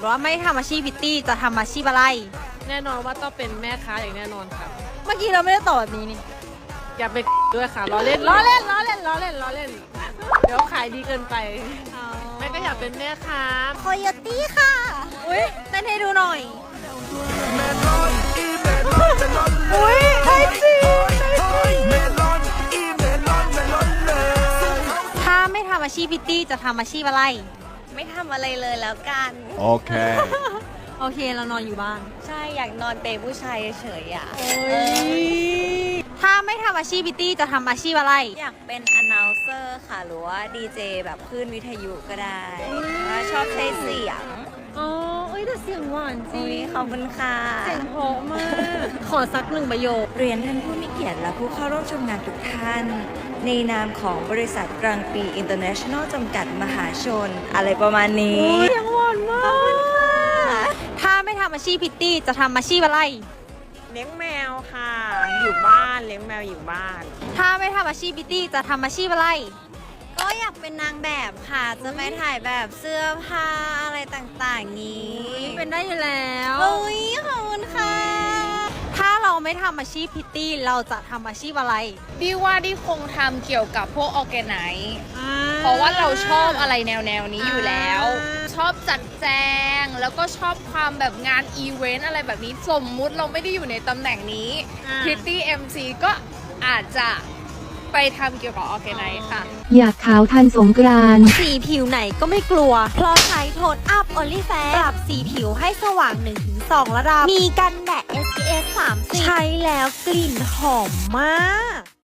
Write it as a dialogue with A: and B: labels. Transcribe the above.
A: ว่าไม่ทำอาชีพพิตตี้จะทำอาชีพอะไร
B: แน่นอนว่าต้องเป็นแม่ค้าอย่างแน่นอนค่ะ
A: เมื่อกี้เราไม่ได้ตอบแบบนี้นี่
B: อย่าไปด้วยค่ะล้อเล่น เดี๋ยวขายดีเกินไปแม่ก็อยากเป็นแม่ค้า
A: โคโยตี้ค่ะ อุ้ยเต้นให้ดูหน่อยอุ้ยได้จริงถ้าไม่ทำอาชีพพิตตี้จะทำอาชีพอะไร
C: ไม่ทำอะไรเลยแล้วกัน
D: Okay.
A: โอเคเรานอนอยู่บ้าน
C: ใช่อยากนอนเปรย์ผู้ชายเฉยๆอ่ะ
A: ถ้าไม่ทำอาชีพพิตตี้จะทำอาชีพอะไร
C: อยากเป็น announcer ค่ะ หรือว่าดีเจแบบคลื่นวิทยุก็ได้ว่าชอบใช้เสียง
A: อ๋อเอ้ยแต่เสียงหวานจริ
C: อุ้ย
A: ง
C: ขอบคุณค่ะ
A: เสียงเพราะมาก ขอสักหนึ่งประโยค
C: เรียนท่านผู้มีเกียรติและผู้เข้าร่วมชมงานทุกท่าน ในนามของบริษัทกลางปี International จำกัดมหาชน อะไรประมาณนี้
A: เสียงหวานมาก ถ้าไม่ทำอาชีพพิตตี้จะทำอาชีพอะไร
E: เลี้ยงแมวค่ะ อยู่บ้านเลี้ยงแมวอยู่บ้าน
A: ถ้าไม่ทำอาชีพพิตตี้จะทำอาชีพอะไร
C: ก็อยากเป็นนางแบบค่ะ จะไปถ่ายแบบเสื้อผ้าอะไรต่างๆนี้
A: เป็นได้อยู่แล้ว
C: โอ้ยขอบคุณค่ะ
A: ถ้าเราไม่ทำอาชีพพิตตี้เราจะทำอาชีพอะไร
F: ดิว่าดิคงทำเกี่ยวกับพวกออร์แกไนซ์เพราะว่าเราชอบอะไรแนวนี้อยู่แล้ว ชอบจัดแจง แล้วก็ชอบความแบบงานอีเวนต์อะไรแบบนี้ สมมุติเราไม่ได้อยู่ในตำแหน่งนี้ Pretty MC ก็อาจจะไปทำเกี่ยวกับออร์แกไนซ์ค่ะ
G: อยากขาวทันสงกรานต์
A: สีผิวไหนก็ไม่กลัว เพราะใช้โทนอัพ Only Fair ปรับสีผิวให้สว่าง 1-2 ระดับ มีกันแดด SPF 30 ใช้แล้วกลิ่นหอมมาก